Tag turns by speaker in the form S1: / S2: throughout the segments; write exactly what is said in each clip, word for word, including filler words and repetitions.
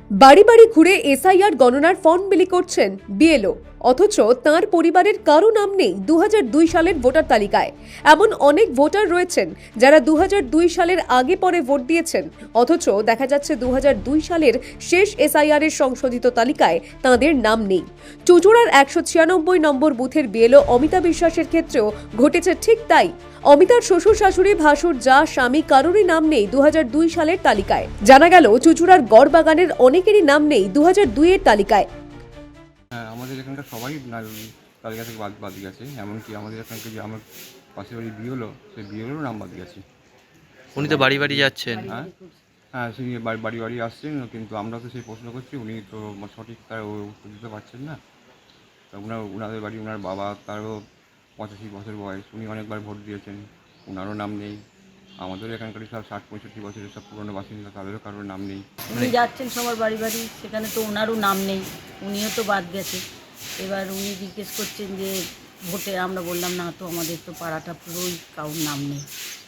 S1: বাড়ি বাড়ি ঘুরে এসআইআর গণনার ফর্ম বিলি করছেন বিএলও, অথচ তাঁর পরিবারের কারো নাম নেই দু হাজার দুই সালের ভোটার তালিকায়। এমন অনেক ভোটার রয়েছেন যারা দু হাজার দুই সালের আগে পরে ভোট দিয়েছেন, অথচ দেখা যাচ্ছে দু হাজার দুই সালের শেষ এসআইআর এর সংশোধিত তালিকায় তাঁদের নাম নেই। চুঁচুড়ার একশো ছিয়ানব্বই নম্বর বুথের বিএলও অমিতা বিশ্বাসের ক্ষেত্রেও ঘটেছে ঠিক তাই। অমিতার শ্বশুর শাশুড়ি ভাসুর যা স্বামী কারোরই নাম নেই দু হাজার দুই সালের তালিকায়। জানা গেল চুঁচুড়ার গড়বাগানের অনেকেরই নাম নেই দু হাজার দুই এর তালিকায়।
S2: হ্যাঁ, আমাদের এখানকার সবাই তালিকা থেকে বাদ বাদ গেছে, এমনকি আমাদের এখানকার যে আমার পাশের বাড়ি বিয়েলো, সেই বিয়েলোরও নাম বাদ গেছে।
S3: উনি তো বাড়ি বাড়ি যাচ্ছেন।
S2: হ্যাঁ হ্যাঁ তিনি বাড়ি বাড়ি বাড়ি আসছেন, কিন্তু আমরা তো সেই প্রশ্ন করছি, উনি তো সঠিক তার উত্তর দিতে পারছেন না। তা উনার উনাদের বাড়ি, উনার বাবা তারও পঁচাশি বছর বয়স, উনি অনেকবার ভোট দিয়েছেন, উনারও নাম নেই। আমাদের এখানকার সব ষাট পঁয়ষট্টি বছরের সব পুরনো বাসিন্দা, তাদেরও কারোর নাম নেই।
S4: উনি যাচ্ছেন সবার বাড়ি বাড়ি, সেখানে তো ওনারও নাম নেই, উনিও তো বাদ গেছে। এবার উনি জিজ্ঞেস করছেন যে ভোটে, আমরা বললাম না তো, আমাদের তো পাড়াটা পুরোই কারোর নাম নেই।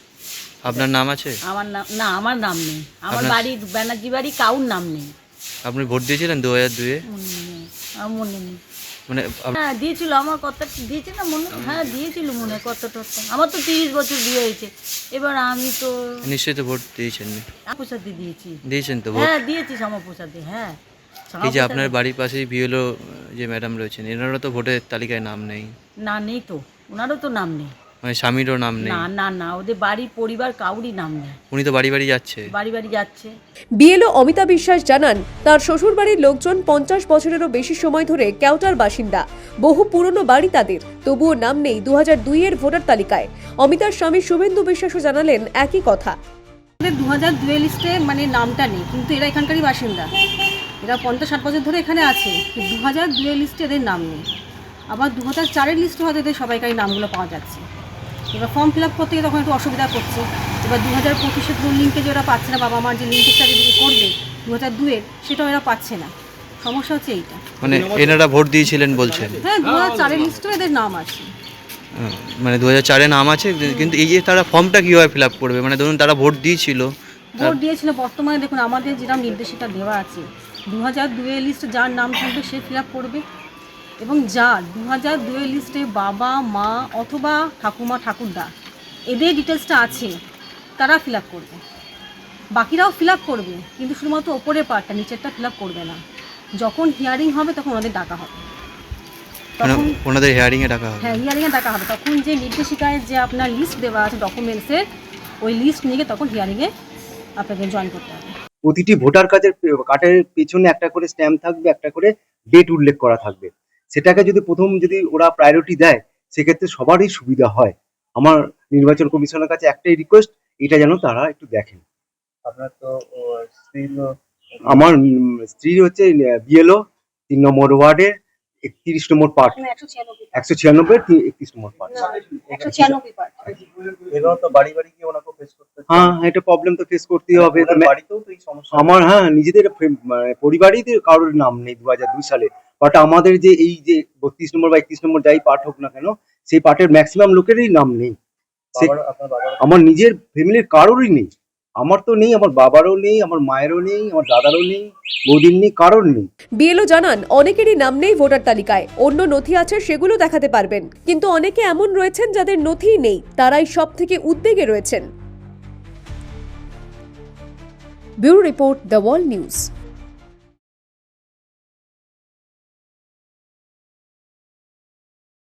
S3: আপনার নাম আছে?
S4: আমার নাম না, আমার নাম নেই। আমার
S3: আপনার-
S4: বাড়ি ব্যানার্জি বাড়ি, কারোর নাম নেই।
S3: আপনি ভোট দিয়েছিলেন দু হাজার দুয়ে?
S4: মনে নেই, আমার মনে নেই।
S3: মানে আপ-
S4: হ্যাঁ দিয়েছিল, আমার কত দিয়েছে না মনে, হ্যাঁ দিয়েছিল মনে হয় কত টত। আমার তো তিরিশ বছর বিয়ে হয়েছে, এবার আমি তো
S3: নিশ্চয়ই তো ভোট দিয়েছেন।
S4: প্রসাদে দিয়েছি।
S3: দিয়েছেন তো ভোট?
S4: হ্যাঁ দিয়েছি শ্যামাপ্রসাদে। হ্যাঁ
S3: এই যে আপনার বাড়ির পাশেই বিএলও যে ম্যাডাম রয়েছেন, এনারও তো ভোটের তালিকায় নাম নেই।
S4: না নেই তো, ওনারও তো নাম নেই।
S3: মানে স্বামীরও নাম নেই?
S4: না না না, ওদের বাড়ি পরিবার কাউরই নাম নেই।
S3: উনি তো বাড়ি বাড়ি যাচ্ছে।
S4: বাড়ি বাড়ি যাচ্ছে।
S1: বিএলও অমিতা বিশ্বাস জানান, তার শ্বশুর বাড়ির লোকজন পঞ্চাশ বছরেরও বেশি সময় ধরে কেওটার বাসিন্দা। বহু পুরনো বাড়ি তাদের, তবুও নাম নেই দু হাজার দুই এর ভোটার তালিকায়। অমিতার স্বামী শুভেন্দু বিশ্বাসও জানালেন একই কথা।
S5: দু হাজার দুই লিস্টে মানে নামটা নেই, কিন্তু এরা এখানকারই বাসিন্দা। এরা পঞ্চাশ ষাট বছর ধরে এখানে আছে, দু হাজার দুই লিস্টে এদের নাম নেই। আবার দু হাজার চারের লিস্টে হয়তো এদের সবাইকারই নামগুলো পাওয়া যাচ্ছে। এবার ফর্ম ফিল আপ করতে গিয়ে তখন একটু অসুবিধা করছে। এবার দু হাজার পঁচিশের লিঙ্কে যে ওরা পাচ্ছে না, বাবা মার যে লিঙ্কের যদি করবে দু হাজার দুয়ের, সেটাও এরা পাচ্ছে না। সমস্যা হচ্ছে এইটা।
S3: মানে এনারা ভোট দিয়েছিলেন বলছেন?
S5: হ্যাঁ, দু হাজার চারের লিস্টেও এদের নাম আছে।
S3: আহ, মানে দু হাজার চারে নাম আছে, কিন্তু এই যে তারা ফর্মটা কীভাবে ফিল আপ করবে? মানে ধরুন তারা ভোট দিয়েছিল,
S5: ভোট দিয়েছিল, বর্তমানে দেখুন আমাদের যেটা নির্দেশিকা দেওয়া আছে, দু হাজার দুয়ের লিস্টে যার নাম থাকবে সে ফিল আপ করবে, এবং যার দু হাজার দুয়ের লিস্টে বাবা মা অথবা ঠাকুমা ঠাকুরদা এদের ডিটেলসটা আছে তারা ফিল আপ করবে। বাকিরাও ফিল আপ করবে, কিন্তু শুধুমাত্র ওপরের পার্টটা, নিচেরটা ফিল আপ করবে না। যখন হিয়ারিং হবে তখন ওদের ডাকা হবে।
S3: মানে
S5: তখন
S3: ওনাদের হিয়ারিংয়ে ডাকা হবে?
S5: হ্যাঁ, হিয়ারিংয়ে ডাকা হবে। তখন যে নির্দেশিকায় যে আপনার লিস্ট দেওয়া আছে ডকুমেন্টসের, ওই লিস্ট নিয়ে তখন হিয়ারিংয়ে আপনাকে জয়েন করতে হবে।
S6: প্রতিটি ভোটার কার্ডের কার্ডের পেছনে একটা করে স্ট্যাম্প থাকবে, একটা করে ডেট উল্লেখ করা থাকবে। সেটাকে যদি প্রথম যদি ওরা প্রায়োরিটি দেয়, সেক্ষেত্রে সবারই সুবিধা হয়। আমার নির্বাচন কমিশনের কাছে একটাই রিকোয়েস্ট, এটা যেন তারা একটু দেখেন।
S7: আপনার তো স্ত্রী,
S6: আমার উম, স্ত্রী হচ্ছে বিএলও তিন নম্বর ওয়ার্ডের একত্রিশ নম্বর পার্ট, একশো ছিয়ানব্বই একত্রিশ নম্বর পার্ট।
S7: এগুলো তো বাড়ি বাড়ি গিয়ে ওনাকে ফেস করতে হচ্ছে।
S6: হ্যাঁ, এটা প্রবলেম তো ফেস করতেই হবে।
S7: ওনার বাড়িতেও তো এই সমস্যা।
S6: আমার হ্যাঁ নিজেদের ফে- মানে পরিবারেই তো কারোর নাম নেই দু হাজার দুই সালে। বাট আমাদের যে এই যে বত্রিশ নম্বর বা একত্রিশ নম্বর যাই পার্ট হোক না কেন, সেই পার্টের ম্যাক্সিমাম লোকেরই নাম নেই। সে-
S7: বাবার- আপনার বাবার
S6: আমার নিজের ফ্যামিলির কারোরই নেই। আমার তো নেই, আমার বাবারও নেই, আমার মায়েরও নেই, আমার দাদারও নেই, বৌদির নেই, কারোর নেই।
S1: বিএলও জানান, অনেকেরই নাম নেই ভোটার তালিকায়, অন্য নথি আছে সেগুলো দেখাতে পারবেন, কিন্তু অনেকে এমন রয়েছেন যাদের নথিই নেই, তারাই সব থেকে উদ্বেগে রয়েছেন। Bureau report, the wall news.